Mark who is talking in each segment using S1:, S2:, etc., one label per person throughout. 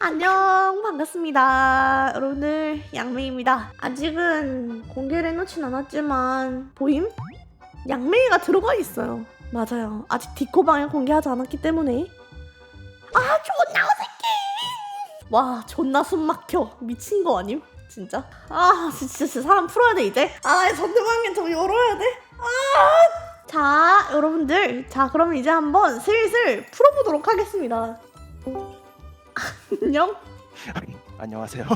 S1: 안녕, 반갑습니다. 여러분들, 양메이입니다. 아직은 공개를 해놓진 않았지만 보임? 양메이가 들어가 있어요. 맞아요. 아직 디코방에 공개하지 않았기 때문에. 아, 존나 어색해. 와, 존나 숨막혀. 미친 거 아님? 진짜? 아, 진짜 사람 풀어야 돼 이제. 아, 전대방엔 좀 열어야 돼. 아, 자, 여러분들, 자, 그러면 이제 한번 슬슬 풀어보도록 하겠습니다. 안녕?
S2: 안녕하세요.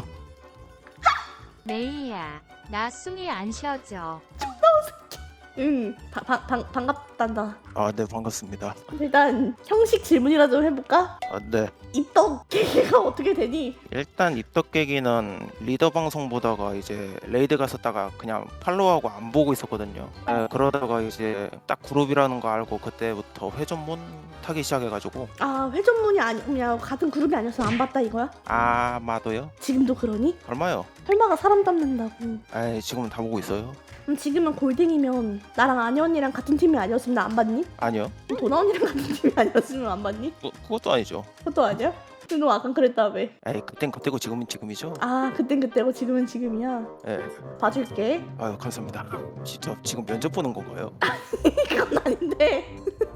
S3: 메이야, 나 숨이 안 쉬어져.
S1: 응, 반갑단다.
S2: 아, 네, 반갑습니다.
S1: 일단 형식 질문이라 좀 해볼까?
S2: 아, 네.
S1: 입덕 계기가 어떻게 되니?
S2: 일단 입덕 계기는 리더 방송 보다가 이제 레이드 갔었다가 그냥 팔로우하고 안 보고 있었거든요. 네, 그러다가 이제 딱 그룹이라는 거 알고 그때부터 회전문 타기 시작해가지고
S1: 아, 회전문이 아니면 같은 그룹이 아니었으면 안 봤다 이거야?
S2: 아마도요?
S1: 지금도 그러니?
S2: 얼마요?
S1: 설마가 사람 닮는다고.
S2: 아이, 지금은 다 보고 있어요.
S1: 그럼 지금은 골딩이면 나랑 아니 언니랑 같은 팀이 아니었으면 나 안 봤니?
S2: 아니요.
S1: 그럼 도나 언니랑 같은 팀이 아니었으면 안 봤니?
S2: 그것도 아니죠.
S1: 그것도 아니야? 근데 너 아까 그랬다며.
S2: 에이, 그땐 그때고 지금은 지금이죠.
S1: 아, 그땐 그때고 지금은 지금이야.
S2: 예.
S1: 봐줄게.
S2: 아유, 감사합니다. 진짜 지금 면접 보는 건가요?
S1: 그건 아닌데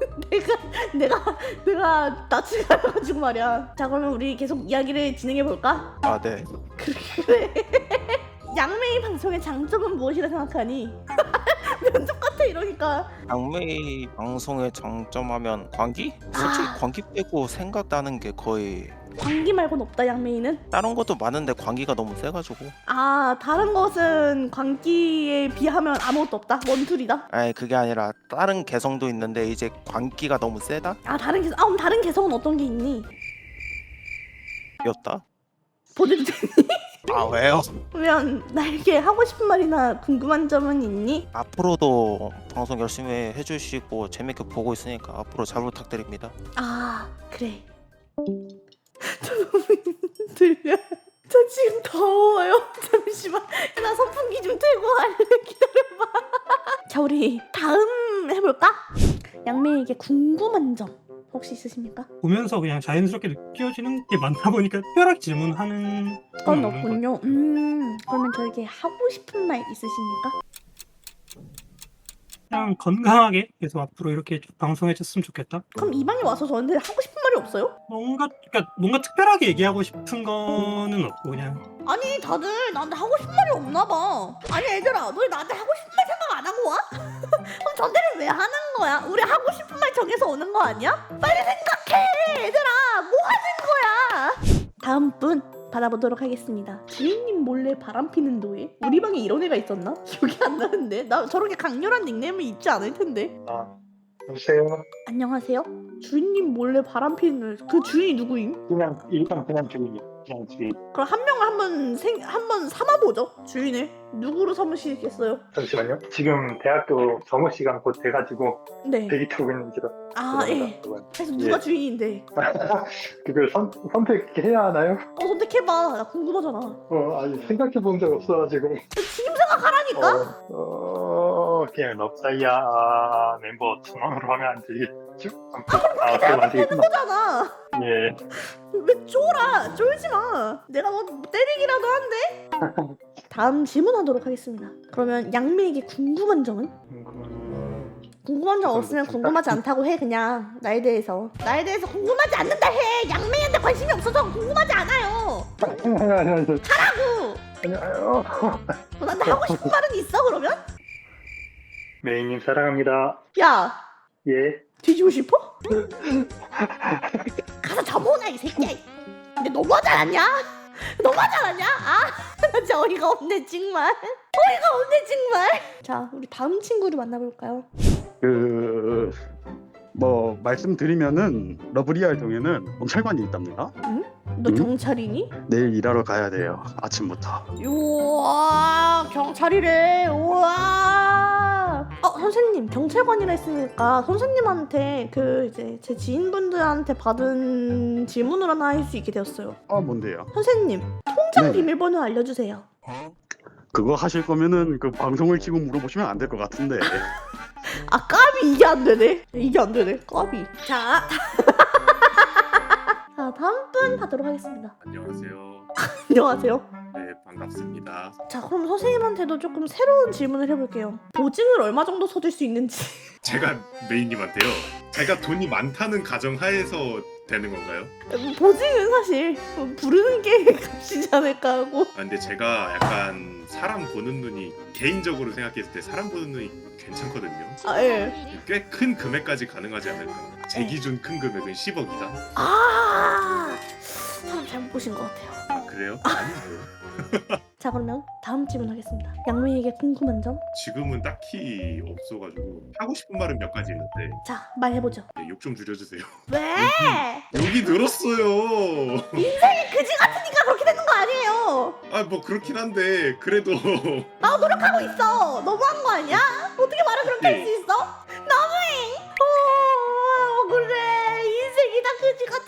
S1: 내가 낯을 가려가지고 말이야. 자, 그러면 우리 계속 이야기를 진행해 볼까?
S2: 아, 네.
S1: 그래. 양메이 방송의 장점은 무엇이라 생각하니? 면접 같아 이러니까.
S2: 양메이 방송의 장점하면 광기? 솔직히 광기 빼고 생각나는 게 거의
S1: 광기 말고는 없다. 양메이는.
S2: 다른 것도 많은데 광기가 너무 세가지고.
S1: 아, 다른 것은 광기에 비하면 아무것도 없다. 원툴이다.
S2: 아니, 그게 아니라 다른 개성도 있는데 이제 광기가 너무 세다?
S1: 아, 다른 개성. 아, 그럼 다른 개성은 어떤 게 있니?
S2: 였다?
S1: 보내도 되니?
S2: 아, 왜요?
S1: 그러면 나에게 하고 싶은 말이나 궁금한 점은 있니?
S2: 앞으로도 방송 열심히 해주시고 재밌게 보고 있으니까 앞으로 잘 부탁드립니다.
S1: 아, 그래. 저 너무 힘들려. 저 지금 더워요. 잠시만. 나 선풍기 좀 틀고 할래. 기다려봐. 자, 우리 다음 해볼까? 양매에게 궁금한 점 혹시 있으십니까?
S4: 보면서 그냥 자연스럽게 느껴지는 게 많다 보니까 특별하게 질문하는
S1: 건
S4: 건 없는 것
S1: 없군요. 그러면 저에게 하고 싶은 말 있으십니까?
S4: 그냥 건강하게 계속 앞으로 이렇게 쭉 방송해줬으면 좋겠다.
S1: 그럼 이 방에 와서 저한테 하고 싶은 말이 없어요?
S4: 뭔가 특별하게 얘기하고 싶은 거는 없고 그냥
S1: 아니, 다들 나한테 하고 싶은 말이 없나 봐. 아니, 얘들아, 너희 나한테 하고 싶은 말 생각 안 하고 와? 그럼 전대를 왜 하는 거야? 우리 하고 싶은 말 정해서 오는 거 아니야? 빨리 생각해, 얘들아. 뭐 하는 거야? 다음 분 받아보도록 하겠습니다. 주인님 몰래 바람 피는 노예? 우리 방에 이런 애가 있었나? 기억이 안 나는데. 나 저렇게 강렬한 닉네임을 잊지 않을 텐데.
S5: 여보세요.
S1: 안녕하세요. 주인님 몰래 바람 피는 노예. 그 주인이 누구임?
S5: 그냥 주인이요. 그냥 주인.
S1: 그럼 한 명을 한번 삼아보죠. 주인을 누구로 삼으시겠어요?
S5: 잠시만요. 지금 대학교 점호 시간 곧 돼가지고
S1: 네.
S5: 대기 타고 있는지라.
S1: 아, 예. 그래서 누가 주인인데?
S5: 그걸 선택해야 하나요?
S1: 선택해봐. 나 궁금하잖아.
S5: 아니 생각해 본 적 없어가지고.
S1: 지금 생각하라니까.
S5: 그냥 럽사이야 멤버 1,000원으로 하면 안 되겠죠? 그럼 안 되겠구나.
S1: 거잖아.
S5: 예.
S1: 왜 쫄아? 쫄지 마. 내가 뭐 때리기라도 한대. 다음 질문하도록 하겠습니다. 그러면 양매에게 궁금한 점은? 궁금한 점 없으면 궁금하지 않다고 해. 그냥 나에 대해서 궁금하지 않는다 해. 양매한테 관심이 없어서 궁금하지 않아요. 하라고.
S5: 아니요.
S1: 나한테 하고 싶은 말은 있어 그러면?
S5: 메이님 사랑합니다.
S1: 야,
S5: 예.
S1: 뒤지고 싶어? 가서 접어오나 이 새끼야. 근데 너무하지 않았냐? 너무하지 않았냐? 아, 나 진짜 어이가 없네 정말. 어이가 없네 정말. 자, 우리 다음 친구를 만나볼까요?
S6: 말씀드리면은 러브리알 동에는 경찰관이 있답니다.
S1: 너 경찰이니?
S6: 내일 일하러 가야 돼요. 아침부터.
S1: 우와, 경찰이래. 우와. 선생님, 경찰관이라 했으니까 선생님한테 이제 제 지인분들한테 받은 질문을 하나 할 수 있게 되었어요.
S6: 뭔데요?
S1: 선생님, 통장
S6: 네.
S1: 비밀번호 알려주세요.
S6: 그거 하실 거면은 그 방송을 키고 물어보시면 안 될 것 같은데.
S1: 아, 까비. 이게 안 되네. 까비. 자, 다음 분 하도록 하겠습니다.
S7: 안녕하세요.
S1: 안녕하세요.
S7: 네, 반갑습니다.
S1: 자, 그럼 선생님한테도 조금 새로운 질문을 해볼게요. 보증을 얼마 정도 서줄 수 있는지.
S7: 제가 메인님한테요. 제가 돈이 많다는 가정하에서 되는 건가요?
S1: 보증은 사실 부르는 게 값이지 않을까 하고.
S7: 아, 근데 제가 약간 사람 보는 눈이 개인적으로 생각했을 때 사람 보는 눈이 괜찮거든요.
S1: 아, 예.
S7: 꽤 큰 금액까지 가능하지 않을까? 제 기준 큰 금액은 10억이다.
S1: 아, 사람 잘못 보신 것 같아요.
S7: 아 그래요? 아니에요.
S1: 자, 그러면 다음 질문 하겠습니다. 양매에게 궁금한 점?
S7: 지금은 딱히 없어가지고 하고 싶은 말은 몇 가지 있는데
S1: 자, 말해보죠.
S7: 네, 욕 좀 줄여주세요.
S1: 왜?
S7: 욕이 늘었어요.
S1: 그지 같으니까 그렇게 되는 거 아니에요.
S7: 아 뭐 그렇긴 한데 그래도
S1: 나 노력하고 있어. 너무한 거 아니야? 어떻게 말을 그렇게 할 수 있어? 너무해. 그래. 인생이 다 그지 같아.